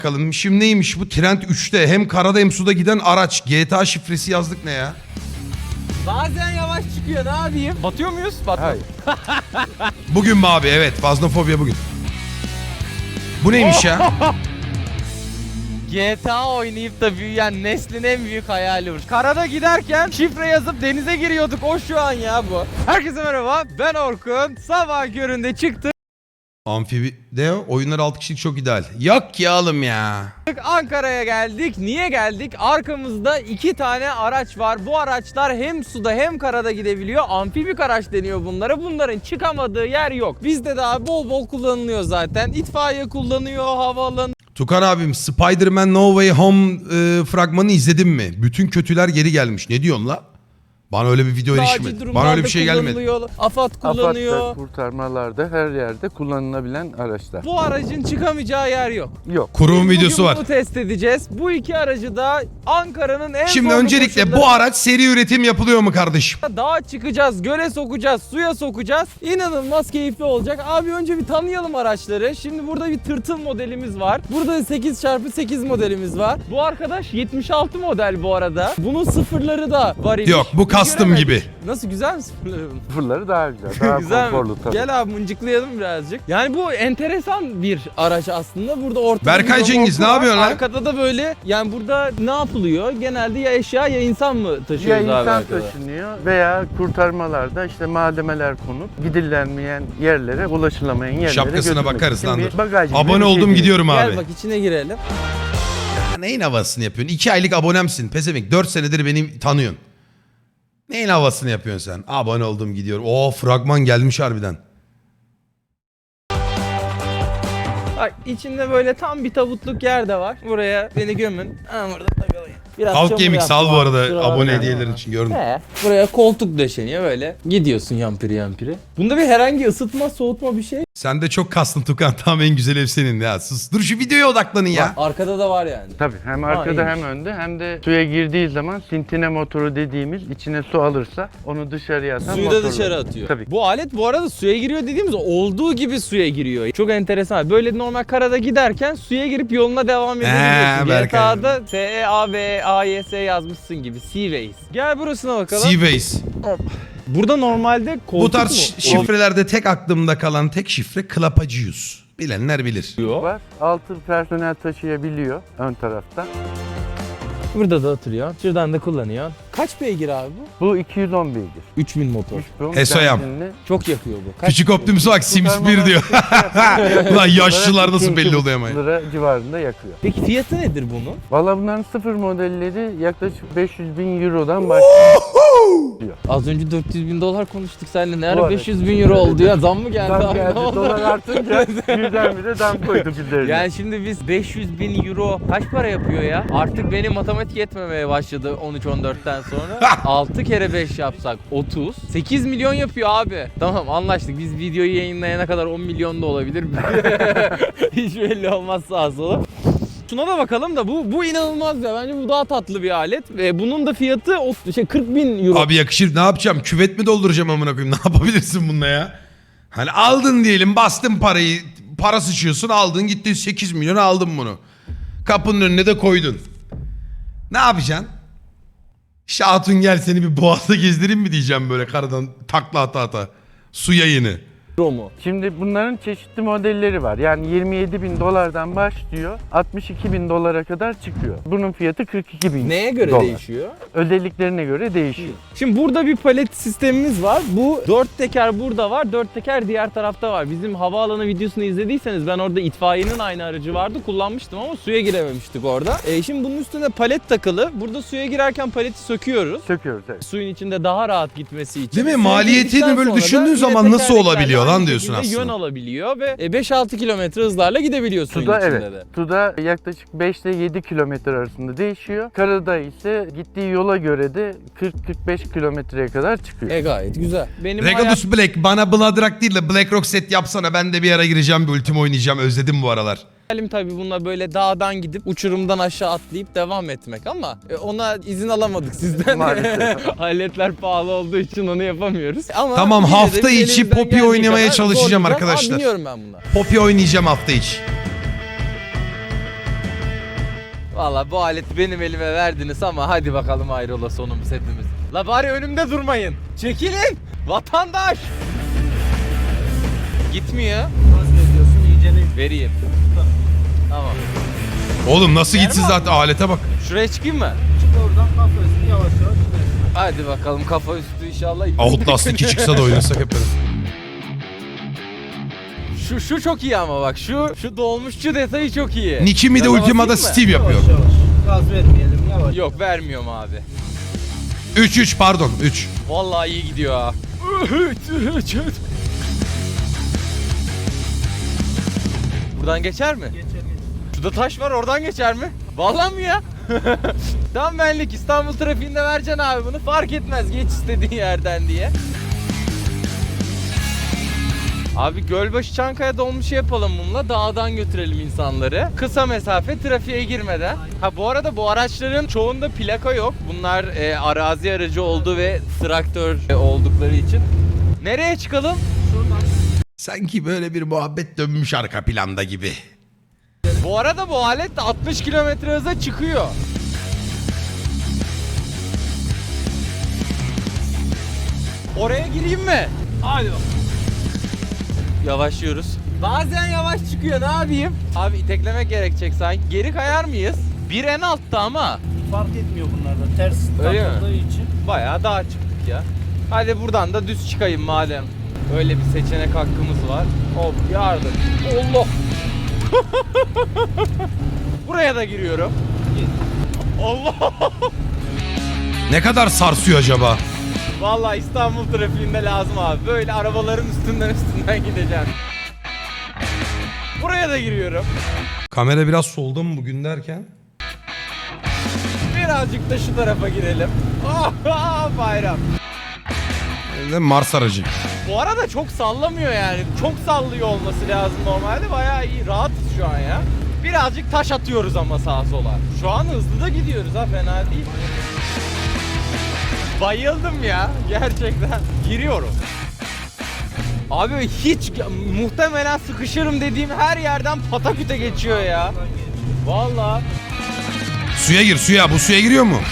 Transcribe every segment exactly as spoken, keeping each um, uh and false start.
Bakalım şimdi neymiş bu? Trend üçte hem karada hem suda giden araç. G T A şifresi yazdık ne ya? Bazen yavaş çıkıyor, ne yapayım? Batıyor muyuz? Batmıyor. Bugün mü abi? Evet, Fazlofobya bugün. Bu neymiş ya? G T A oynayıp da büyüyen neslin en büyük hayali bu. Karada giderken şifre yazıp denize giriyorduk, o şu an ya bu. Herkese merhaba, ben Orkun. Sabah köründe çıktık. Amfibi de oyunlar altı kişilik çok ideal. Yok ya oğlum ya. Ankara'ya geldik. Niye geldik? Arkamızda iki tane araç var. Bu araçlar hem suda hem karada gidebiliyor. Amfibik araç deniyor bunlara. Bunların çıkamadığı yer yok. Bizde daha bol bol kullanılıyor zaten. İtfaiye kullanıyor, havaalanı. Tukan abim Spider-Man No Way Home e, fragmanı izledin mi? Bütün kötüler geri gelmiş. Ne diyorsun la? Bana öyle bir video erişmedi. Bana öyle bir şey gelmedi. AFAD kullanıyor. AFAD'da, kurtarmalarda, her yerde kullanılabilen araçlar. Bu aracın çıkamayacağı yer yok. Yok. Kurum Biz videosu bugün var. bunu test edeceğiz. Bu iki aracı da Ankara'nın en Şimdi zorlu öncelikle koşulları- bu araç seri üretim yapılıyor mu kardeşim? Dağa çıkacağız, göle sokacağız, suya sokacağız. İnanılmaz keyifli olacak. Abi önce bir tanıyalım araçları. Şimdi burada bir tırtıl modelimiz var. Burada sekiz çarpı sekiz modelimiz var. Bu arkadaş yetmiş altı model bu arada. Bunun sıfırları da var imiş. Yok, bu Biz custom göremedik. gibi. Nasıl, güzel mi sıfırları bunun? Sıfırları daha güzel, daha Güzel mi? konforlu tabii. Gel abi mıncıklayalım birazcık. Yani bu enteresan bir araç aslında. Burada ortada Berkay bir Cengiz, remorku ne var. yapıyorsun lan? Arkada da böyle, yani burada ne yapılıyor? Genelde ya eşya ya insan mı Ya taşıyoruz abi insan arkada? taşınıyor veya kurtarmalarda işte malzemeler konup gidilenmeyen yerlere, ulaşılamayan yerlere Şapkasına götürmek bakarız için lan bir dur. bagaj gibi bir Abone şey oldum değil. gidiyorum abi. Gel bak içine girelim. Ya neyin havasını yapıyorsun? İki aylık abonemsin. Pezevenk dört senedir beni tanıyorsun. Neyin havasını yapıyorsun sen? Abone oldum gidiyorum. Oo fragman gelmiş harbiden. Bak içinde böyle tam bir tabutluk yer de var. Buraya beni gömün. Ha, burada takılayım. Biraz Halk çamur Gaming yaptım sal bu abi, arada kusura abone bakma. hediyelerin için gördüm. He, buraya koltuk döşeniyor böyle. Gidiyorsun yampiri yampiri. Bunda bir herhangi ısıtma soğutma bir şey. Sen de çok kastın Tukan. Tamam en güzel ev senin ya. Sus. Dur şu videoya odaklanın ya. Arkada da var yani. Tabii hem arkada iyiymiş. hem önde hem de suya girdiği zaman sintine motoru dediğimiz, içine su alırsa onu dışarıya atan Suyu da motor dışarı var. atıyor. Tabii. Bu alet bu arada suya giriyor dediğimiz olduğu gibi suya giriyor. Çok enteresan. Böyle normal karada giderken suya girip yoluna devam edebiliyorsun. Berkay. G T A'da S E A V A Y S yazmışsın gibi. Seaways. Gel burasına bakalım. Seaways. Burada normalde koltuk Bu tarz mu? şifrelerde tek aklımda kalan tek şifre Klapacıyuz. Bilenler bilir. Oluyor. Var. Altı personel taşıyabiliyor ön tarafta. Burada da oturuyor. Şuradan da kullanıyor. Kaç beygir abi bu? Bu iki yüz on beygir. üç bin motor. üç bin Esoyam. benzinli. Çok yakıyor bu. Kaç Küçük Optimus bak Sims bir diyor. Ulan yaşlılar nasıl belli oluyor ama. lira civarında yakıyor. Peki fiyatı nedir bunun? Valla bunların sıfır modelleri yaklaşık beş yüz bin eurodan başlıyor. Az önce dört yüz bin dolar konuştuk seninle. Ne Bu ara arada- beş yüz bin euro oldu ya? Zam mı geldi Zam abi? geldi, Ne oldu? dolar artınca birdenbire dam koyduk üzerine. Yani şimdi biz beş yüz bin euro kaç para yapıyor ya? Artık benim matematik yetmemeye başladı on üç on dörtten sonra. altı kere beş yapsak otuz. sekiz milyon yapıyor abi. Tamam anlaştık. Biz videoyu yayınlayana kadar on milyon da olabilir. Hiç belli olmaz sağa sola. Şuna da bakalım da bu bu inanılmaz ya. Bence bu daha tatlı bir alet. Ve bunun da fiyatı o, şey kırk bin euro. Abi yakışır ne yapacağım? Küvet mi dolduracağım amına koyayım? Ne yapabilirsin bununla ya? Hani aldın diyelim bastın parayı. Para sıçıyorsun aldın gittin sekiz milyon aldın bunu. Kapının önüne de koydun. Ne yapacaksın? İşte Hatun gel seni bir boğazda gezdireyim mi diyeceğim böyle karadan takla ata ata. Su yayını. Euro mu? Şimdi bunların çeşitli modelleri var. Yani yirmi yedi bin dolardan başlıyor, altmış iki bin dolara kadar çıkıyor. Bunun fiyatı kırk iki bin Neye göre dolar. değişiyor? Özelliklerine göre değişiyor. Şimdi burada bir palet sistemimiz var. Bu dört teker burada var, dört teker diğer tarafta var. Bizim havaalanı videosunu izlediyseniz ben orada itfaiyenin aynı aracı vardı. Kullanmıştım ama suya girememiştik orada. E şimdi bunun üstüne palet takılı. Burada suya girerken paleti söküyoruz. Söküyoruz evet. Suyun içinde daha rahat gitmesi için. Değil mi? Suya Maliyetini girdikten böyle sonra da düşündüğün yine zaman nasıl tekerleklerle olabiliyor lan aynı diyorsun şekilde aslında. Yön alabiliyor ve beş altı kilometre hızlarla gidebiliyor suyun Suda içinde evet. de. Suda yaklaşık beş ile yedi kilometre arasında değişiyor. Karada ise gittiği yola göre de kırk kırk beş kilometreye kadar çıkıyor. E gayet güzel. Benim Regadus Black bana Bloodrock değil de Black Rock set yapsana ben de bir ara gireceğim bir ultimo oynayacağım özledim bu aralar. hayalim tabii bununla böyle dağdan gidip uçurumdan aşağı atlayıp devam etmek ama e, ona izin alamadık sizden. Maalesef. Aletler pahalı olduğu için onu yapamıyoruz. Ama Tamam, yine de hafta biz içi elimizden Poppy geldiği oynamaya kadar çalışacağım zorlayacağız. arkadaşlar. Aa, biniyorum ben buna. Poppy oynayacağım hafta içi. Valla bu aleti benim elime verdiniz ama hadi bakalım hayrola sonumuz hepimiz. La bari önümde durmayın. Çekilin. Vatandaş. Gitmiyor. Nasıl ediyorsun? İyicene Vereyim. Tamam. Oğlum nasıl Yer gitsin mi zaten alete bak. Şuraya çıkayım mı? çık oradan kafasını yavaş yavaş inersin. Hadi bakalım kafa üstü inşallah. Outlast iki çıksa da oynasak hep beraber. Şu şu çok iyi ama bak şu şu dolmuşçu detayı çok iyi. Nicki mi de Gaza Ultima'da basayım mı? Steve yapıyor. Yavaş yavaş. Gaz vermeyelim yavaş. Yok vermiyorum abi. üç üç pardon üç. Vallahi iyi gidiyor ha. Buradan geçer mi? Geçer geçer. Şurada taş var oradan geçer mi? Vallahi mi ya? Tam benlik İstanbul trafiğinde vereceksin abi bunu. Fark etmez geç istediğin yerden diye. Abi Gölbaşı Çankaya dolmuşu yapalım bununla. Dağdan götürelim insanları. Kısa mesafe trafiğe girmeden. Ha bu arada bu araçların çoğunda plaka yok. Bunlar e, arazi aracı olduğu ve traktör e, oldukları için. Nereye çıkalım? Şuradan. Sanki böyle bir muhabbet dönmüş arka planda gibi. Bu arada bu alet de altmış kilometre hıza çıkıyor. Oraya gireyim mi? Hadi bakalım. Yavaşlıyoruz. Bazen yavaş çıkıyor ne yapayım? Abi iteklemek gerekecek sanki. Geri kayar mıyız? Bir en altta ama. Fark etmiyor bunlarda. Ters Öyle mi? takıldığı için. Bayağı dağa çıktık ya. Hadi buradan da düz çıkayım madem. Öyle bir seçenek hakkımız var. Hop yardım. Allah. Buraya da giriyorum. Allah. Ne kadar sarsıyor acaba? Vallahi İstanbul trafiğinde lazım abi. Böyle arabaların üstünden üstünden gideceğim. Buraya da giriyorum. Kamera biraz solda mı bugün derken? Birazcık da şu tarafa girelim. Oh, bayram. Ne Mars aracı. Bu arada çok sallamıyor yani. Çok sallıyor olması lazım normalde. Bayağı iyi. Rahatız şu an ya. Birazcık taş atıyoruz ama sağa sola. Şu an hızlı da gidiyoruz ha, fena değil. Bayıldım ya gerçekten. Giriyorum. Abi hiç muhtemelen sıkışırım dediğim her yerden pataküte geçiyor ya. Vallahi. Suya gir suya. Bu suya giriyor mu?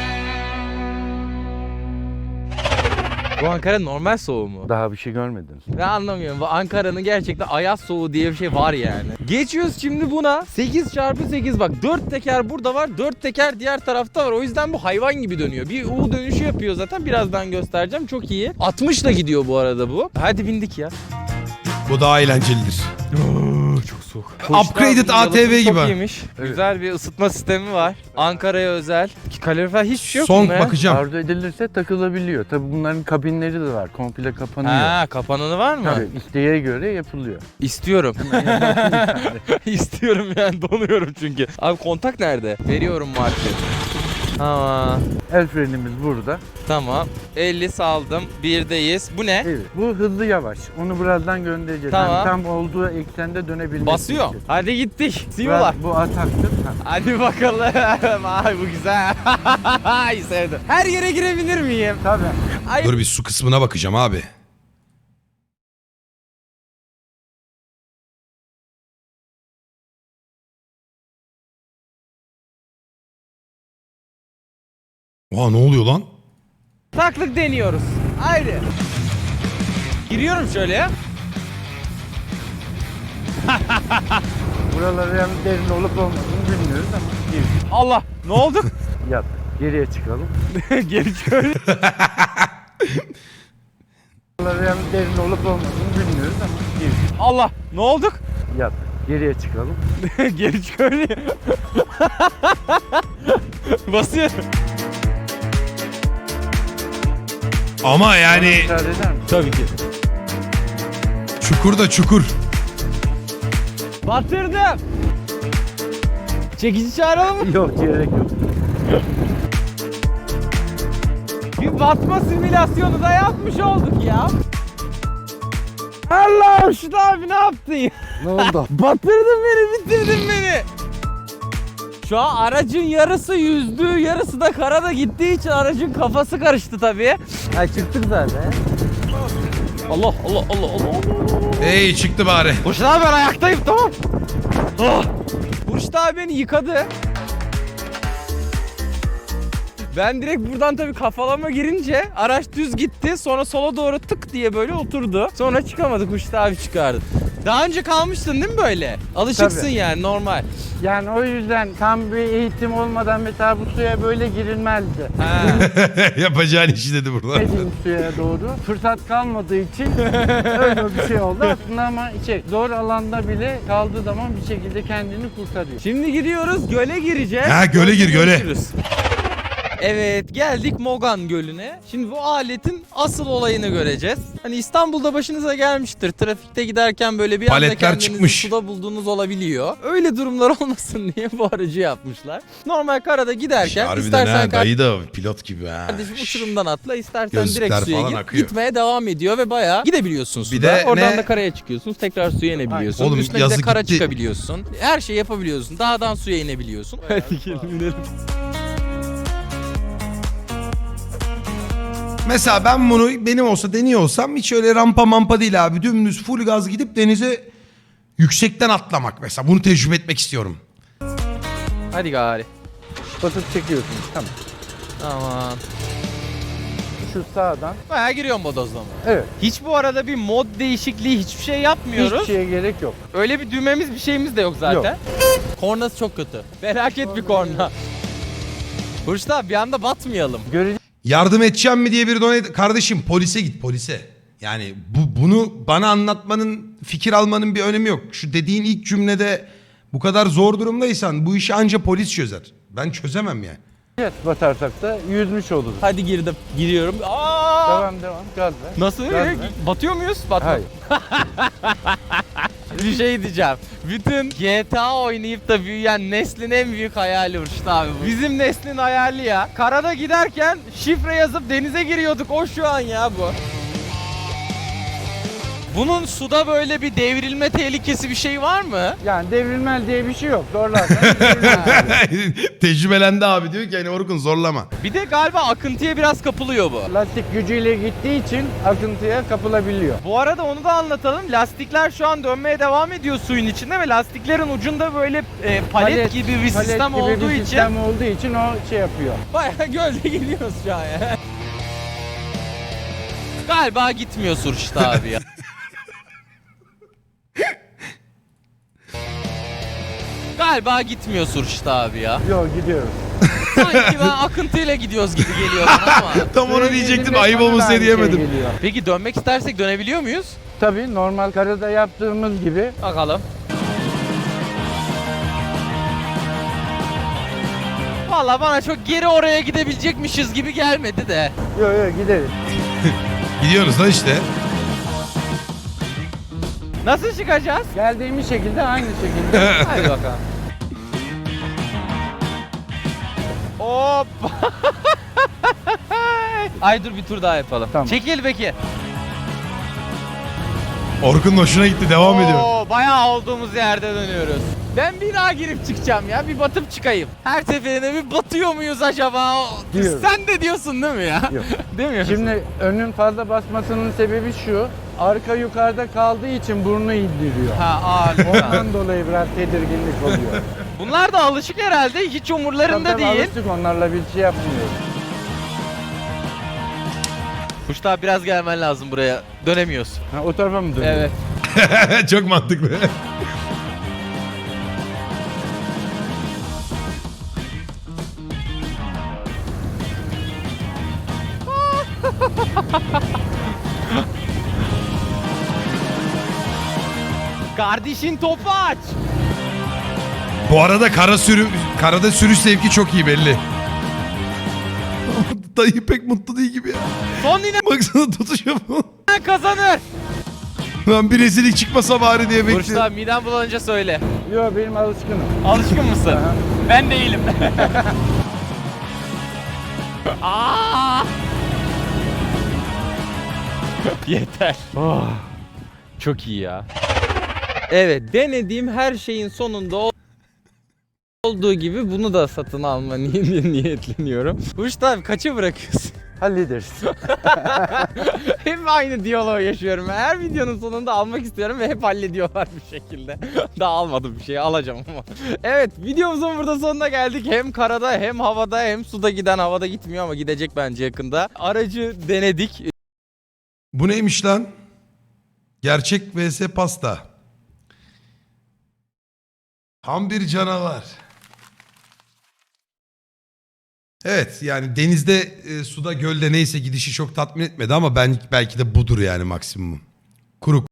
Bu Ankara normal soğuğu mu? Daha bir şey görmediniz. Ben anlamıyorum. Bu Ankara'nın gerçekten ayaz soğuğu diye bir şey var yani. Geçiyoruz şimdi buna. sekiz çarpı sekiz bak. dört teker burada var. dört teker diğer tarafta var. O yüzden bu hayvan gibi dönüyor. Bir U dönüşü yapıyor zaten. Birazdan göstereceğim. Çok iyi. altmışla gidiyor bu arada bu. Hadi bindik ya. Bu daha eğlencelidir. Çok soğuk. Upgraded A T V gibi. Çok iyiymiş. Güzel bir ısıtma sistemi var. Ankara'ya özel. Kalorifer hiçbir şey yok Son bunda ya. bakacağım. Arzu edilirse takılabiliyor. Tabii bunların kabinleri de var. Komple kapanıyor. Ha, kapananı var mı? Tabii isteğe göre yapılıyor. İstiyorum. İstiyorum yani, donuyorum çünkü. Abi kontak nerede? Veriyorum marşı. Tamam. El frenimiz burada. Tamam. elli saldım. birdeyiz. Bu ne? Evet. Bu hızlı yavaş. Onu birazdan göndereceğiz. Tamam. Yani tam olduğu eksende dönebilmesi Basıyor. için. Hadi gittik. Biraz Simular. bu ataktır. Ha. Hadi bakalım. Ay bu güzel. Ay sevdim. Her yere girebilir miyim? Tabii. Ay. Dur bir su kısmına bakacağım abi. Oha ne oluyor lan? Taklık deniyoruz. Haydi. Giriyorum şöyle ya. Buraları yani derin olup olmadığını bilmiyoruz ama gir. Allah. Ne oldu? Yap. Geriye çıkalım. Geri şöyle. Buraları yani derin olup olmadığını bilmiyoruz ama gir. Allah. Ne olduk? Yap. Geriye çıkalım. Geri şöyle. Basıyorum. Ama yani Müsaade eder misin? Tabii ki. çukur da çukur. Batırdım. Çekici çağıralım mı? Yok gerek yok. Bir batma simülasyonu da yapmış olduk ya. Allah'ım şu abi ne yaptın ya? Ne oldu? Batırdın beni, bitirdin beni. Şu an aracın yarısı yüzdü, yarısı da karada gittiği için aracın kafası karıştı tabii. Ha çıktık zaten. Allah Allah Allah Allah. Hey çıktı bari. Burçta abi ben ayaktayım, tamam. Oh. Burçta abi beni yıkadı. Ben direkt buradan tabii kafalama girince araç düz gitti. Sonra sola doğru tık diye böyle oturdu. Sonra çıkamadık. Uçta abi çıkardı. Daha önce kalmıştın değil mi böyle? Alışıksın Tabii. yani normal. Yani o yüzden tam bir eğitim olmadan mesela bu suya böyle girilmezdi. Ha. Yapacağın işi dedi burada. Gitmedim suya doğru. Fırsat kalmadığı için öyle bir şey oldu aslında ama şey, zor alanda bile kaldığı zaman bir şekilde kendini kurtarıyor. Şimdi gidiyoruz, göle gireceğiz. Ha, göle gir, göle. Görüşürüz. Evet, geldik Mogan Gölü'ne. Şimdi bu aletin asıl olayını göreceğiz. Hani İstanbul'da başınıza gelmiştir. Trafikte giderken böyle bir anda Paletler kendinizi çıkmış. suda bulduğunuz olabiliyor. Öyle durumlar olmasın diye bu aracı yapmışlar. Normal karada giderken Harbiden istersen ha, dayı da pilot gibi ha. kardeşim uçurumdan atla, istersen Gözlükler direkt suya falan gir. akıyor. Gitmeye devam ediyor ve bayağı gidebiliyorsunuz Bir suda. de Oradan ne? da karaya çıkıyorsunuz. Tekrar suya inebiliyorsun. Oğlum, Üstüne bir de yazık kara gitti. çıkabiliyorsun. Her şeyi yapabiliyorsun. Dağdan suya inebiliyorsun. Hadi gelin inelim. Mesela ben bunu benim olsa deniyor olsam hiç öyle rampa mampa değil abi. Dümdüz full gaz gidip denize yüksekten atlamak mesela. Bunu tecrübe etmek istiyorum. Hadi gari. Basıp çekiyorsun. Tamam. Aman. Şu sağdan. Bayağı giriyorum bodozlama. Evet. Hiç bu arada bir mod değişikliği hiçbir şey yapmıyoruz. Hiçbir şeye gerek yok. Öyle bir düğmemiz bir şeyimiz de yok zaten. Kornası çok kötü. Felaket bir korna. Hurşit abi bir anda batmayalım. Görece Yardım edeceğim mi diye bir donate... Kardeşim polise git polise. Yani bu bunu bana anlatmanın, fikir almanın bir önemi yok. Şu dediğin ilk cümlede bu kadar zor durumdaysan bu işi anca polis çözer. Ben çözemem yani. batarsak da yüzmüş oluruz. Hadi girdim. Giriyorum. Aa! Devam devam. Gaz ver. Nasıl? Gaz ver. Batıyor muyuz? Batma. Hayır. Bir şey diyeceğim. Bütün G T A oynayıp da büyüyen neslin en büyük hayali Hurşit abi bu. Bizim neslin hayali ya. Karada giderken şifre yazıp denize giriyorduk. O şu an ya bu. Bunun suda böyle bir devrilme tehlikesi bir şey var mı? Yani devrilmel diye bir şey yok. Zorlarsan devrilmez. Tecrübelendi abi diyor ki hani Orkun zorlama. Bir de galiba akıntıya biraz kapılıyor bu. Lastik gücüyle gittiği için akıntıya kapılabiliyor. Bu arada onu da anlatalım. Lastikler şu an dönmeye devam ediyor suyun içinde ve lastiklerin ucunda böyle e, palet, gibi bir palet sistem gibi olduğu bir için sistem olduğu için o şey yapıyor. bayağı gölde gidiyoruz şu an ya. Galiba gitmiyor Hurşit abi ya. Galiba gitmiyor Hurşit abi ya. Yok gidiyoruz. Sanki ben akıntıyla gidiyoruz gibi geliyor bana ama. Tam onu Suya diyecektim, girdiğinde ayıp bana da olmasın aynı diye şey diyemedim. geliyor. Peki dönmek istersek dönebiliyor muyuz? Tabii normal karada yaptığımız gibi. Bakalım. Vallahi bana çok geri oraya gidebilecekmişiz gibi gelmedi de. Yok yok gideriz. Gidiyoruz da işte. Nasıl çıkacağız? Geldiğimiz şekilde aynı şekilde. Hadi bakalım. Hop. Ay dur bir tur daha yapalım. Tamam. Çekil Bekir. Orkun'un hoşuna gitti, devam ediyor. Oo, bayağı olduğumuz yerde dönüyoruz. Ben bir daha girip çıkacağım ya. Bir batıp çıkayım. Her seferinde bir batıyor muyuz acaba? Diyorum. Sen de diyorsun değil mi ya? Yok. Değil mi? Şimdi önün fazla basmasının sebebi şu. Arka yukarıda kaldığı için burnu indiriyor. Ha ağır. Ondan dolayı biraz tedirginlik oluyor. Bunlar da alışık herhalde. Hiç umurlarında Tabii tabii değil. alıştık, onlarla bir şey yapmıyoruz. Kuşt abi biraz gelmen lazım buraya. Dönemiyoruz. Ha, o tarafa mı dönüyor? Evet. Çok mantıklı. Kardeşin topu aç. Bu arada kara sürü, karada sürüş zevki çok iyi belli. Dayı pek mutlu değil gibi ya. Son yine Baksana tutuşuyor bu. kazanır. Lan bir rezillik çıkmasa bari diye Kuşt bekliyorum. abi midem bulanınca söyle. Yok benim alışkınım. Alışkın mısın? Aha. Ben değilim. Aa! Yeter. Oh, çok iyi ya. Evet, denediğim her şeyin sonunda ol- olduğu gibi bunu da satın alma ni- niyetleniyorum. Kuşt abi kaça bırakıyorsun? hallederiz. Hep aynı diyaloğu yaşıyorum. Her videonun sonunda almak istiyorum ve hep hallediyorlar bir şekilde. Daha almadım bir şey, alacağım ama. Evet, videomuzun burada sonuna geldik. Hem karada hem havada hem suda giden, havada gitmiyor ama gidecek bence yakında. Aracı denedik. Bu neymiş lan? Gerçek vs pasta. Tam bir canavar. Evet yani denizde, e, suda, gölde neyse gidişi çok tatmin etmedi ama ben belki de budur yani maksimum. Kuru